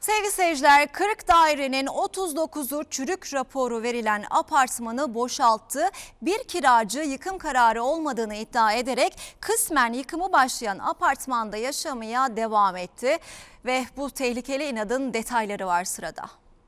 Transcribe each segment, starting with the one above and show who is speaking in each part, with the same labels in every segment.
Speaker 1: Sevgili seyirciler, 40 dairenin 39'u çürük raporu verilen apartmanı boşalttı. Bir kiracı yıkım kararı olmadığını iddia ederek kısmen yıkımı başlayan apartmanda yaşamaya devam etti. Ve bu tehlikeli inadın detayları var sırada.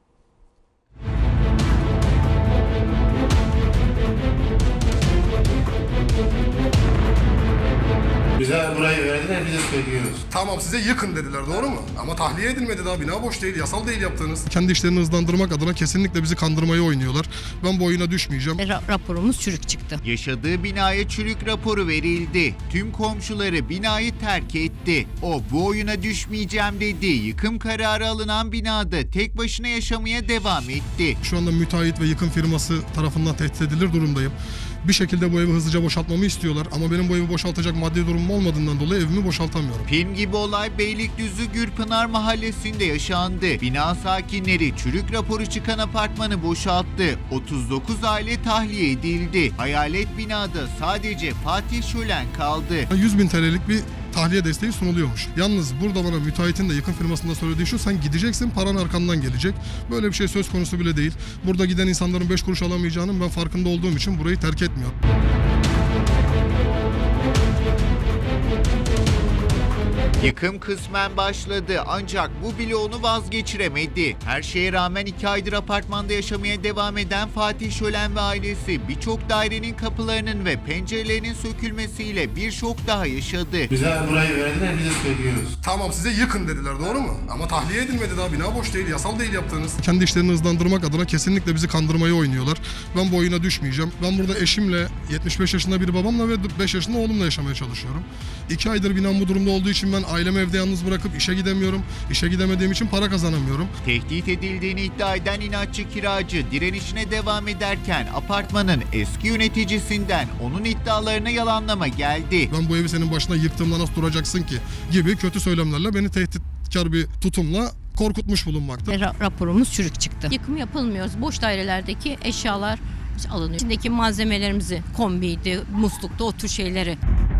Speaker 2: Bize burayı verdiler, biz de söylüyoruz.
Speaker 3: Tamam, size yıkın dediler, doğru mu? Ama tahliye edilmedi, daha bina boş değil, yasal değil yaptığınız. Kendi işlerini hızlandırmak adına kesinlikle bizi kandırmayı oynuyorlar. Ben bu oyuna düşmeyeceğim.
Speaker 4: Raporumuz çürük çıktı.
Speaker 5: Yaşadığı binaya çürük raporu verildi. Tüm komşuları binayı terk etti. O bu oyuna düşmeyeceğim dedi. Yıkım kararı alınan binada tek başına yaşamaya devam etti.
Speaker 3: Şu anda müteahhit ve yıkım firması tarafından tehdit edilir durumdayım. Bir şekilde bu evi hızlıca boşaltmamı istiyorlar ama benim bu evi boşaltacak maddi durumum olmadığından dolayı evimi boşaltamıyorum.
Speaker 5: Film gibi olay Beylikdüzü Gürpınar mahallesinde yaşandı. Bina sakinleri çürük raporu çıkan apartmanı boşalttı. 39 aile tahliye edildi. Hayalet binada sadece Fatih Şölen kaldı.
Speaker 3: 100.000 TL'lik bir tahliye desteği sunuluyormuş. Yalnız burada bana müteahhitin de yıkım firmasında söylediği şu: sen gideceksin, paran arkandan gelecek. Böyle bir şey söz konusu bile değil. Burada giden insanların 5 kuruş alamayacağının ben farkında olduğum için burayı terk etmiyorum.
Speaker 5: Yıkım kısmen başladı ancak bu bile onu vazgeçiremedi. Her şeye rağmen 2 aydır apartmanda yaşamaya devam eden Fatih Şölen ve ailesi birçok dairenin kapılarının ve pencerelerinin sökülmesiyle bir şok daha yaşadı.
Speaker 2: Bize burayı verdiler, biz de söylüyoruz.
Speaker 3: Tamam, size yıkın dediler, doğru mu? Ama tahliye edilmedi, daha bina boş değil, yasal değil yaptığınız. Kendi işlerini hızlandırmak adına kesinlikle bizi kandırmayı oynuyorlar. Ben bu oyuna düşmeyeceğim. Ben burada eşimle, 75 yaşında bir babamla ve 5 yaşında oğlumla yaşamaya çalışıyorum. 2 aydır binam bu durumda olduğu için ben ailemi evde yalnız bırakıp işe gidemiyorum. İşe gidemediğim için para kazanamıyorum.
Speaker 5: Tehdit edildiğini iddia eden inatçı kiracı direnişine devam ederken apartmanın eski yöneticisinden onun iddialarına yalanlama geldi.
Speaker 3: Ben bu evi senin başına yıktığımda nasıl duracaksın ki gibi kötü söylemlerle beni tehditkar bir tutumla korkutmuş bulunmakta.
Speaker 4: Raporumuz çürük çıktı. Yıkım yapılmıyor. Boş dairelerdeki eşyalar alınıyor. İçindeki malzemelerimizi, kombiydi, muslukta, o tür şeyleri